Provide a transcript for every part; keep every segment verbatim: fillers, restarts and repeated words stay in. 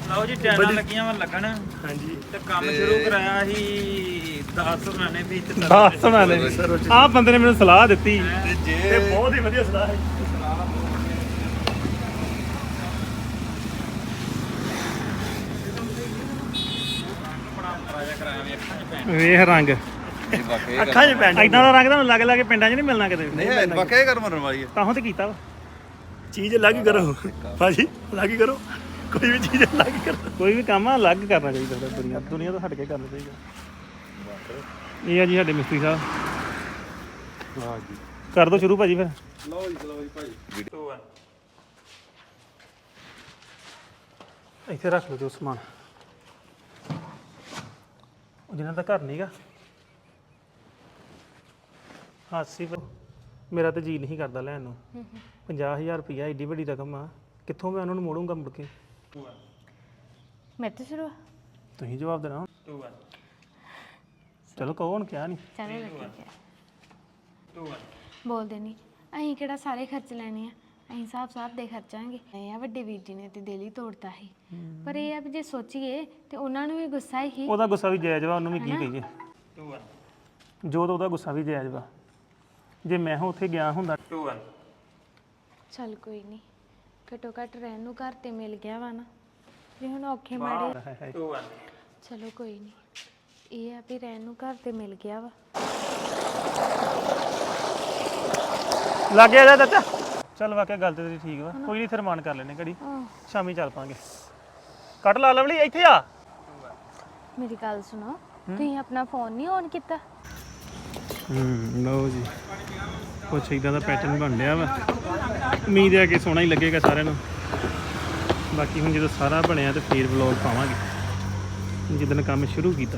ਲਓ ਜੀ ਟੈਨਾਂ ਲੱਗੀਆਂ ਵਾ ਲੱਗਣ ਹਾਂਜੀ ਤੇ ਕੰਮ ਸ਼ੁਰੂ ਕਰਾਇਆ ਸੀ ਦਸ ਸੁਣਾਣੇ ਵੀ ਤੇ ਦਸ ਸੁਣਾਣੇ ਆਹ ਬੰਦੇ ਨੇ ਮੈਨੂੰ ਸਲਾਹ ਦਿੱਤੀ ਤੇ ਜੇ ਤੇ ਬਹੁਤ ਹੀ ਵਧੀਆ ਸਲਾਹ ਹੈ ਰਾਜਾ ਕਰਾਇਆ ਵੀ ਅੱਖਾਂ 'ਚ ਪੈਣ ਵੇਖ ਰੰਗ ਅੱਖਾਂ 'ਚ ਪੈਣ ਇਦਾਂ ਦਾ ਰੰਗ ਤੁਹਾਨੂੰ ਲੱਗ ਲੱਗ ਪਿੰਡਾਂ 'ਚ ਨਹੀਂ ਮਿਲਣਾ ਕਿਤੇ ਨਹੀਂ ਵਾਕਿਆ ਕਰ ਮਰਨ ਵਾਲੀ ਹੈ ਤਾਂ ਤੇ ਕੀਤਾ ਵਾ ਚੀਜ਼ ਅਲੱਗ ਕਰੋ ਭਾਜੀ ਅਲੱਗ ਕਰੋ ਕੋਈ ਵੀ ਚੀਜ਼ ਅਲੱਗ ਕਰੋ ਕੋਈ ਵੀ ਕੰਮ ਆ ਅਲੱਗ ਕਰਨਾ ਚਾਹੀਦਾ ਦੁਨੀਆ ਦੁਨੀਆ ਤੋਂ ਹਟ ਕੇ ਕਰਨਾ ਚਾਹੀਦਾ ਇਹ ਆ ਜੀ ਸਾਡੇ ਮਿਸਤਰੀ ਸਾਹਿਬ ਹਾਂ ਜੀ ਕਰ ਦੋ ਸ਼ੁਰੂ ਭਾਜੀ ਫਿਰ ਲਓ ਜੀ ਚਲੋ ਜੀ ਭਾਈ ਇੱਥੇ ਰੱਖ ਲਓ ਜੋ ਸਮਾਨ ਉਹ ਜਿਹਨਾਂ ਦਾ ਘਰ ਨਹੀਂਗਾ ਹਾਸੀ ਮੇਰਾ ਤਾਂ ਜੀ ਨਹੀਂ ਕਰਦਾ ਲੈਣ ਨੂੰ ਪੰਜਾਹ ਹਜ਼ਾਰ ਰੁਪਈਆ ਏਡੀ ਵੱਡੀ ਰਕਮ ਆ ਕਿੱਥੋਂ ਮੈਂ ਉਹਨਾਂ ਨੂੰ ਮੋੜੂੰਗਾ ਮੁੜ ਕੇ ਮੈਂ ਤਾਂ ਸ਼ੁਰੂ ਤੁਸੀਂ ਜਵਾਬ ਦੇਣਾ ਚਲੋ ਕਹੋ ਹੁਣ ਕਿਹਾ ਨਹੀਂ ਚਲੋ ਠੀਕ ਹੈ ਬੋਲਦੇ ਨਹੀਂ ਅਸੀਂ ਕਿਹੜਾ ਸਾਰੇ ਖਰਚ ਲੈਣੇ ਆ ਅਸੀਂ ਹਿਸਾਬ ਸਾਬ ਦੇ ਖਰਚਾਂਗੇ ਇਹ ਆ ਵੱਡੇ ਵੀਰ ਜੀ ਨੇ ਤੇ ਦਿਲ ਹੀ ਤੋੜਤਾ ਸੀ ਪਰ ਇਹ ਆ ਵੀ ਜੇ ਸੋਚੀਏ ਤੇ ਉਹਨਾਂ ਨੂੰ ਵੀ ਗੁੱਸਾ ਹੀ ਉਹਦਾ ਗੁੱਸਾ ਵੀ ਜਾਇਜ਼ ਵਾ ਉਹਨੂੰ ਵੀ ਕੀ ਕਹੀਏ ਜੋ ਤਾਂ ਉਹਦਾ ਗੁੱਸਾ ਵੀ ਜਾਇਜ਼ ਵਾ ਜੇ ਮੈਂ ਹਾਂ ਉੱਥੇ ਗਿਆ ਹੁੰਦਾ ਚੱਲ ਕੋਈ ਨਹੀਂ ਘਟੋ ਘੱਟ ਰਹਿਣ ਨੂੰ ਘਰ ਤੇ ਮਿਲ ਗਿਆ ਵਾ ਨਾ ਜੇ ਹੁਣ ਔਖੇ ਮਾੜੇ ਚਲੋ ਕੋਈ ਨਹੀਂ ਇਹ ਆ ਵੀ ਰਹਿਣ ਨੂੰ ਘਰ ਤੇ ਮਿਲ ਗਿਆ ਵਾ ਲੱਗ ਗਿਆ ਜਾ ਚਾਚਾ ਚੱਲ ਵਾਕਿਆ ਗੱਲ ਤੇ ਤੇਰੀ ਠੀਕ ਵਾ ਕੋਈ ਨਹੀਂ ਫਿਰ ਮਾਨ ਕਰ ਲੈਨੇ ਘੜੀ ਸ਼ਾਮੀ ਚੱਲ ਪਾਂਗੇ ਕੱਟ ਲਾ ਲਵਲੀ ਇੱਥੇ ਆ ਮੇਰੀ ਗੱਲ ਸੁਣੋ ਤੁਸੀਂ ਆਪਣਾ ਫੋਨ ਨਹੀਂ ਔਨ ਕੀਤਾ ਹੂੰ ਲਓ ਜੀ ਕੁਛ ਇਦਾਂ ਦਾ ਪੈਟਰਨ ਬਣ ਰਿਹਾ ਵਾ ਉਮੀਦ ਹੈ ਕਿ ਸੋਹਣਾ ਹੀ ਲੱਗੇਗਾ ਸਾਰਿਆਂ ਨੂੰ ਬਾਕੀ ਹੁਣ ਜਦੋਂ ਸਾਰਾ ਬਣਿਆ ਤੇ ਫੇਰ ਵਲੌਗ ਪਾਵਾਂਗੇ ਜਿੱਦਣ ਕੰਮ ਸ਼ੁਰੂ ਕੀਤਾ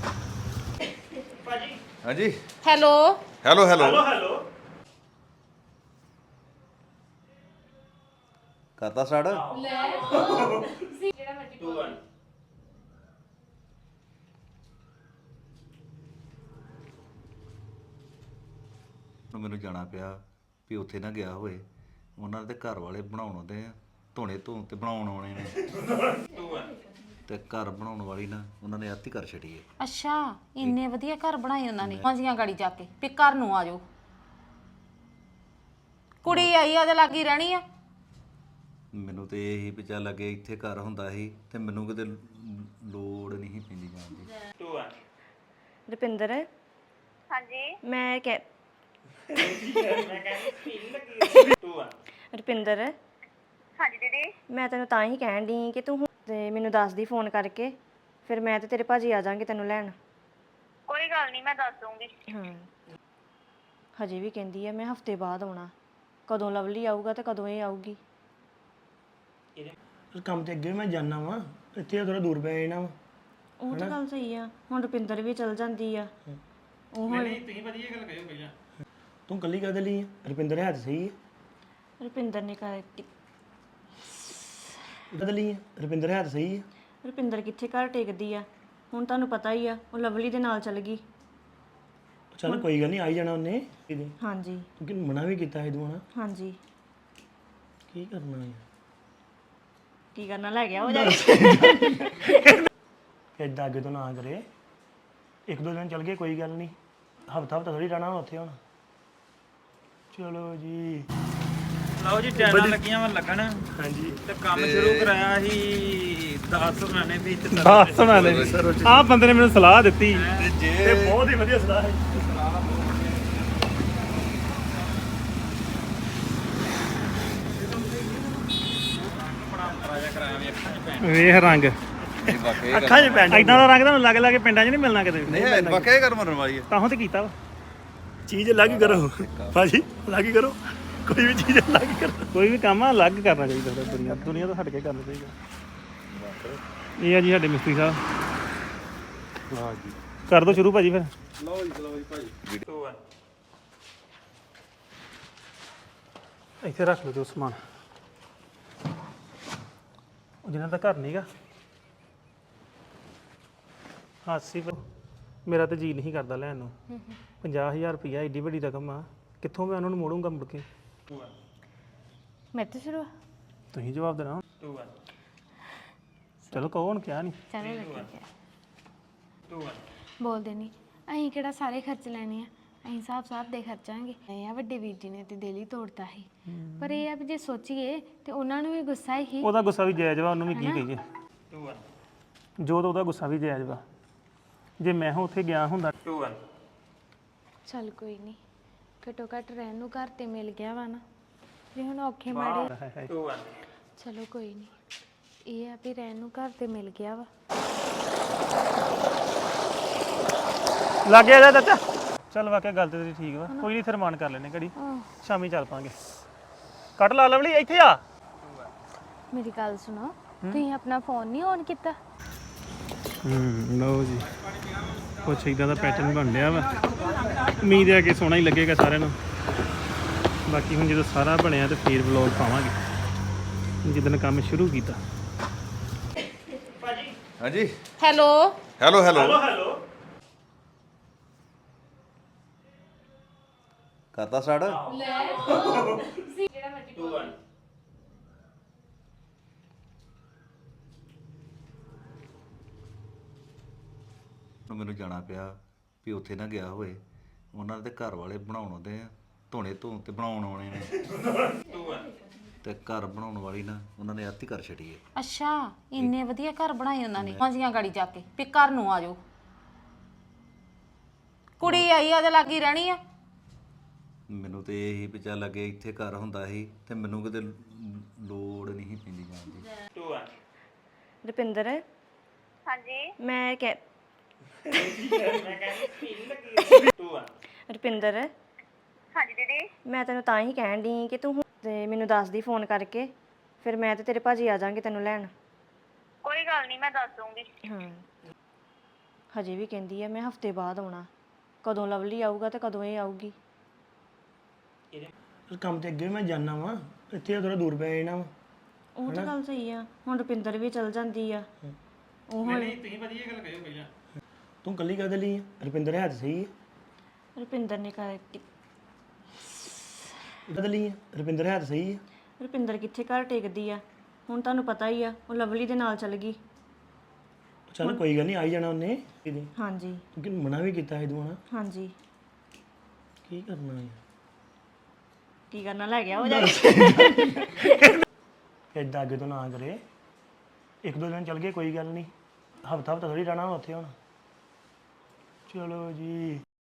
ਹਾਂਜੀ ਹੈਲੋ ਹੈਲੋ ਹੈਲੋ ਹੈਲੋ ਕਰਤਾ ਸਟਾਰਟ ਮੈਨੂੰ ਜਾਣਾ ਪਿਆ ਵੀ ਉੱਥੇ ਨਾ ਗਿਆ ਹੋਏ ਉਹਨਾਂ ਦੇ ਘਰ ਵਾਲੇ ਬਣਾਉਣ ਆਉਂਦੇ ਆ ਧੋਣੇ ਧੋਣ ਤੇ ਬਣਾਉਣ ਆਉਣੇ ਨੇ ਤੇ ਘਰ ਬਣਾਉਣ ਵਾਲੀ ਨਾ ਉਹਨਾਂ ਨੇ ਆਤੀ ਕਰ ਛੱਡੀ ਹੈ ਅੱਛਾ ਇੰਨੇ ਵਧੀਆ ਘਰ ਬਣਾਏ ਉਹਨਾਂ ਨੇ ਮਾਂਜੀਆਂ ਗਾੜੀ ਜਾ ਕੇ ਵੀ ਘਰ ਨੂੰ ਆ ਜਾਓ ਕੁੜੀ ਆਈ ਉਹਦੇ ਲਾਗੀ ਰਹਿਣੀ ਆ ਮੈਨੂੰ ਤੇ ਇਹੀ ਵੀ ਚੱਲ ਲੱਗੇ ਇੱਥੇ ਘਰ ਹੁੰਦਾ ਸੀ ਤੇ ਮੈਨੂੰ ਕਿਤੇ ਲੋੜ ਨਹੀਂ ਪੈਂਦੀ ਜਾਣ ਦੀ ਰੁਪਿੰਦਰ ਹਾਂਜੀ ਮੈਂ ਕਹਿ ਰੁਪਿੰਦਰ ਹਾਂਜੀ ਦੀਦੀ ਮੈਂ ਤੈਨੂੰ ਤਾਂ ਹੀ ਕਹਿਣ ਦੀ ਕਿ ਤੂੰ ਹੁਣ ਤੇ ਮੈਨੂੰ ਦੱਸ ਦੀ ਫੋਨ ਕਰਕੇ ਫਿਰ ਮੈਂ ਤੇ ਤੇਰੇ ਭਾਜੀ ਆ ਜਾਾਂਗੇ ਤੈਨੂੰ ਲੈਣ ਕੋਈ ਗੱਲ ਨਹੀਂ ਮੈਂ ਦੱਸ ਦੂੰਗੀ ਹਾਂ ਹਜੇ ਵੀ ਕਹਿੰਦੀ ਆ ਮੈਂ ਹਫਤੇ ਬਾਅਦ ਆਉਣਾ ਕਦੋਂ ਲਵਲੀ ਆਊਗਾ ਤੇ ਕਦੋਂ ਇਹ ਆਊਗੀ ਕੰਮ ਤੇ ਅੱਗੇ ਮੈਂ ਜਾਣਾ ਵਾ ਇੱਥੇ ਥੋੜਾ ਦੂਰ ਪੈ ਜਾਣਾ ਵਾ ਉਹ ਤਾਂ ਗੱਲ ਸਹੀ ਆ ਹੁਣ ਰੁਪਿੰਦਰ ਵੀ ਚਲ ਜਾਂਦੀ ਆ ਉਹ ਹੁਣ ਤੁਸੀਂ ਵਧੀਆ ਗੱਲ ਕਰਿਓ ਪਹਿਲਾਂ ਤੂੰ ਕੱਲੀ ਕਾਹਦੇ ਲਈ ਆ ਰੁਪਿੰਦਰ ਹੈ ਤਾਂ ਸਹੀ ਹੈ ਰੁਪਿੰਦਰ ਨੇ ਕਰ ਕਾਹਦੇ ਲਈ ਆ ਰੁਪਿੰਦਰ ਹੈ ਤਾਂ ਸਹੀ ਹੈ ਰੁਪਿੰਦਰ ਕਿੱਥੇ ਘਰ ਟੇਕਦੀ ਆ ਹੁਣ ਤੁਹਾਨੂੰ ਪਤਾ ਹੀ ਆ ਉਹ ਲਵਲੀ ਦੇ ਨਾਲ ਚੱਲ ਗਈ ਚੱਲ ਕੋਈ ਗੱਲ ਨਹੀਂ ਆਈ ਜਾਣਾ ਉਹਨੇ ਹਾਂਜੀ ਕਿਉਂਕਿ ਮਨਾ ਵੀ ਕੀਤਾ ਸੀ ਤੂੰ ਹਨਾ ਹਾਂਜੀ ਕੀ ਕਰਨਾ ਹੈ ਕੀ ਕਰਨਾ ਲੈ ਗਿਆ ਉਹ ਜਾ ਏਦਾਂ ਅੱਗੇ ਤੋਂ ਨਾ ਕਰੇ ਇੱਕ ਦੋ ਦਿਨ ਚੱਲ ਗਏ ਕੋਈ ਗੱਲ ਨਹੀਂ ਹਫਤਾ ਹਫਤਾ ਥੋੜੀ ਰਹਿਣਾ ਉੱਥੇ ਹੁਣ ਚਲੋ ਜੀ ਲਓ ਜੀ ਟੈਨਾਂ ਲੱਗੀਆਂ ਵਾ ਲੱਗਣ ਹਾਂਜੀ ਤੇ ਕੰਮ ਸ਼ੁਰੂ ਕਰਾਇਆ ਸੀ ਦਸ ਸੁਣਾਣੇ ਵੀ ਤੇ ਦਸ ਸੁਣਾਣੇ ਆਹ ਬੰਦੇ ਨੇ ਮੈਨੂੰ ਸਲਾਹ ਦਿੱਤੀ ਤੇ ਜੇ ਤੇ ਬਹੁਤ ਹੀ ਵਧੀਆ ਸਲਾਹ ਹੈ ਰਾਜਾ ਕਰਾਇਆ ਵੀ ਅੱਖਾਂ 'ਚ ਪੈਣ ਵੇਖ ਰੰਗ ਵਾਕਿਆ ਅੱਖਾਂ 'ਚ ਪੈਣ ਇਦਾਂ ਦਾ ਰੰਗ ਤੁਹਾਨੂੰ ਲੱਗ ਲੱਗ ਪਿੰਡਾਂ 'ਚ ਨਹੀਂ ਮਿਲਣਾ ਕਿਤੇ ਨਹੀਂ ਵਾਕਿਆ ਕਰ ਮਰਨ ਵਾਲੀ ਹੈ ਤਾਂ ਤੇ ਕੀਤਾ ਵਾ ਚੀਜ਼ ਅਲੱਗ ਕਰੋ ਭਾਜੀ ਅਲੱਗ ਕਰੋ ਕੋਈ ਵੀ ਚੀਜ਼ ਅਲੱਗ ਕਰੋ ਕੋਈ ਵੀ ਕੰਮ ਆ ਅਲੱਗ ਕਰਨਾ ਚਾਹੀਦਾ ਦੁਨੀਆ ਦੁਨੀਆ ਤੋਂ ਹਟ ਕੇ ਕਰਨਾ ਚਾਹੀਦਾ ਇਹ ਆ ਜੀ ਸਾਡੇ ਮਿਸਤਰੀ ਸਾਹਿਬ ਹਾਂ ਜੀ ਕਰ ਦੋ ਸ਼ੁਰੂ ਭਾਜੀ ਫਿਰ ਲਓ ਜੀ ਚਲੋ ਜੀ ਭਾਈ ਇੱਥੇ ਰੱਖ ਲਓ ਜੋ ਸਮਾਨ ਉਹ ਜਿਹਨਾਂ ਦਾ ਘਰ ਨਹੀਂਗਾ ਹਾਸੀ ਮੇਰਾ ਤਾਂ ਜੀ ਨਹੀਂ ਕਰਦਾ ਲੈਣ ਨੂੰ ਪੰਜਾਹ ਹਜ਼ਾਰ ਰੁਪਈਆ ਏਡੀ ਵੱਡੀ ਰਕਮ ਆ ਕਿੱਥੋਂ ਮੈਂ ਉਹਨਾਂ ਨੂੰ ਮੋੜੂੰਗਾ ਮੁੜ ਕੇ ਮੈਂ ਤਾਂ ਸ਼ੁਰੂ ਤੁਸੀਂ ਜਵਾਬ ਦੇਣਾ ਚਲੋ ਕਹੋ ਹੁਣ ਕਿਹਾ ਨਹੀਂ ਚਲੋ ਲੱਗੀ ਗਿਆ ਟੂ ਵਨ ਬੋਲਦੇ ਨਹੀਂ ਅਸੀਂ ਕਿਹੜਾ ਸਾਰੇ ਖਰਚ ਲੈਣੇ ਆ ਅਸੀਂ ਹਿਸਾਬ ਸਾਬ ਦੇ ਖਰਚਾਂਗੇ ਇਹ ਆ ਵੱਡੇ ਵੀਰ ਜੀ ਨੇ ਤੇ ਦਿਲ ਹੀ ਤੋੜਤਾ ਸੀ ਪਰ ਇਹ ਆ ਵੀ ਜੇ ਸੋਚੀਏ ਤੇ ਉਹਨਾਂ ਨੂੰ ਵੀ ਗੁੱਸਾ ਹੀ ਉਹਦਾ ਗੁੱਸਾ ਵੀ ਜਾਇਜ਼ ਵਾ ਉਹਨੂੰ ਵੀ ਕੀ ਕਹੀਏ ਟੂ ਵਨ ਜੋ ਤਾਂ ਉਹਦਾ ਗੁੱਸਾ ਵੀ ਜਾਇਜ਼ ਵਾ ਜੇ ਮੈਂ ਹਾਂ ਉੱਥੇ ਗਿਆ ਹੁੰਦਾ ਟੂ ਵਨ ਚੱਲ ਕੋਈ ਨਹੀਂ ਘਟੋ ਘੱਟ ਰਹਿਣ ਨੂੰ ਘਰ ਤੇ ਮਿਲ ਗਿਆ ਵਾ ਨਾ ਜੇ ਹੁਣ ਔਖੇ ਮਾੜੇ ਹਾਏ ਹਾਏ ਟੂ ਵਨ ਚਲੋ ਕੋਈ ਨਹੀਂ ਇਹ ਆ ਵੀ ਰਹਿਣ ਨੂੰ ਘਰ ਤੇ ਮਿਲ ਗਿਆ ਵਾ ਲੱਗ ਗਿਆ ਜਾ ਚਾਚਾ ਚੱਲ ਵਾਕਿਆ ਗੱਲ ਤੇ ਤੇਰੀ ਠੀਕ ਵਾ ਕੋਈ ਨਹੀਂ ਫਿਰ ਮਾਨ ਕਰ ਲੈਨੇ ਘੜੀ ਸ਼ਾਮੀ ਚੱਲ ਪਾਂਗੇ ਕੱਟ ਲਾ ਲਵਲੀ ਇੱਥੇ ਆ ਮੇਰੀ ਗੱਲ ਸੁਣੋ ਤੁਸੀਂ ਆਪਣਾ ਫੋਨ ਨਹੀਂ ਔਨ ਕੀਤਾ ਹੂੰ ਲਓ ਜੀ ਕੁਛ ਇਦਾਂ ਦਾ ਪੈਟਰਨ ਬਣ ਰਿਹਾ ਵਾ ਉਮੀਦ ਹੈ ਕਿ ਸੋਹਣਾ ਹੀ ਲੱਗੇਗਾ ਸਾਰਿਆਂ ਨੂੰ ਬਾਕੀ ਹੁਣ ਜਦੋਂ ਸਾਰਾ ਬਣਿਆ ਤੇ ਫੇਰ ਵਲੌਗ ਪਾਵਾਂਗੇ ਜਿੱਦਣ ਕੰਮ ਸ਼ੁਰੂ ਕੀਤਾ ਹਾਂਜੀ ਹੈਲੋ ਹੈਲੋ ਹੈਲੋ ਹੈਲੋ ਕਰਤਾ ਸਟਾਰਟ ਟੂ ਵਨ ਮੈਨੂੰ ਜਾਣਾ ਪਿਆ ਵੀ ਉੱਥੇ ਨਾ ਗਿਆ ਹੋਏ ਉਹਨਾਂ ਦੇ ਘਰ ਵਾਲੇ ਬਣਾਉਣ ਆਉਂਦੇ ਆ ਧੋਣੇ ਧੋਣ ਤੇ ਬਣਾਉਣ ਆਉਣੇ ਨੇ ਟੂ ਵਨ ਤੇ ਘਰ ਬਣਾਉਣ ਵਾਲੀ ਨਾ ਉਹਨਾਂ ਨੇ ਆਤੀ ਕਰ ਛੜੀ ਹੈ ਅੱਛਾ ਇੰਨੇ ਵਧੀਆ ਘਰ ਬਣਾਏ ਉਹਨਾਂ ਨੇ ਮਾਂਜੀਆਂ ਗਾੜੀ ਜਾ ਕੇ ਵੀ ਘਰ ਨੂੰ ਆ ਜਾਓ ਕੁੜੀ ਆਈ ਆ ਤੇ ਲੱਗੀ ਰਹਿਣੀ ਆ ਮੈਨੂੰ ਤੇ ਇਹੀ ਵੀ ਚੱਲ ਲੱਗੇ ਇੱਥੇ ਘਰ ਹੁੰਦਾ ਸੀ ਤੇ ਮੈਨੂੰ ਕਿਤੇ ਲੋੜ ਨਹੀਂ ਸੀ ਪੈਂਦੀ ਜਾਣ ਦੀ ਟੂ ਵਨ ਰੁਪਿੰਦਰ ਹਾਂਜੀ ਮੈਂ ਕਹਿ ਟੂ ਵਨ ਰੁਪਿੰਦਰ ਹਾਂਜੀ ਦੀਦੀ ਮੈਂ ਤੈਨੂੰ ਤਾਂ ਹੀ ਕਹਿਣ ਦੀ ਕਿ ਤੂੰ ਹੁਣ ਤੇ ਮੈਨੂੰ ਦੱਸ ਦੀ ਫੋਨ ਕਰਕੇ ਫਿਰ ਮੈਂ ਤੇ ਤੇਰੇ ਭਾਜੀ ਆ ਜਾਾਂਗੇ ਤੈਨੂੰ ਲੈਣ ਕੋਈ ਗੱਲ ਨਹੀਂ ਮੈਂ ਦੱਸ ਦੂੰਗੀ ਹਾਂ ਹਜੇ ਵੀ ਕਹਿੰਦੀ ਆ ਮੈਂ ਹਫਤੇ ਬਾਅਦ ਆਉਣਾ ਕਦੋਂ ਲਵਲੀ ਆਊਗਾ ਤੇ ਕਦੋਂ ਇਹ ਆਊਗੀ ਕੰਮ ਤੇ ਅੱਗੇ ਵੀ ਮੈਂ ਜਾਣਾ ਵਾਂ ਇੱਥੇ ਥੋੜਾ ਦੂਰ ਪੈ ਜਾਣਾ ਵਾ ਉਹ ਤਾਂ ਗੱਲ ਸਹੀ ਆ ਹੁਣ ਰੁਪਿੰਦਰ ਵੀ ਚਲ ਜਾਂਦੀ ਆ ਉਹ ਹੁਣ ਤੁਸੀਂ ਵਧੀਆ ਗੱਲ ਕਰਿਓ ਪਹਿਲਾਂ ਤੂੰ ਕੱਲੀ ਕਾਹਦੇ ਲਈ ਆ? ਰੁਪਿੰਦਰ ਹੈ ਤਾਂ ਸਹੀ ਹੈ ਰੁਪਿੰਦਰ ਨੇ ਕਰ ਕਾਹਦੇ ਲਈ ਆ? ਰੁਪਿੰਦਰ ਹੈ ਤਾਂ ਸਹੀ ਹੈ ਰੁਪਿੰਦਰ ਕਿੱਥੇ ਘਰ ਟੇਕਦੀ ਆ ਹੁਣ ਤੁਹਾਨੂੰ ਪਤਾ ਹੀ ਆ ਉਹ ਲਵਲੀ ਦੇ ਨਾਲ ਚੱਲ ਗਈ ਚੱਲ ਕੋਈ ਗੱਲ ਨਹੀਂ ਆਈ ਜਾਣਾ ਉਹਨੇ ਕਿਤੇ ਹਾਂਜੀ ਕਿਉਂਕਿ ਮਨਾ ਵੀ ਕੀਤਾ ਸੀ ਤੂੰ ਹਨਾ ਹਾਂਜੀ ਕੀ ਕਰਨਾ ਹੈ ਕੀ ਕਰਨਾ ਲੈ ਗਿਆ ਉਹ ਜਾ ਕੇ ਏਦਾਂ ਅੱਗੇ ਤੋਂ ਨਾ ਕਰੇ ਇੱਕ ਦੋ ਦਿਨ ਚੱਲ ਗਏ ਕੋਈ ਗੱਲ ਨਹੀਂ ਹਫਤਾ ਹਫਤਾ ਥੋੜੀ ਰਹਿਣਾ ਉੱਥੇ ਹੁਣ ਚਲੋ ਜੀ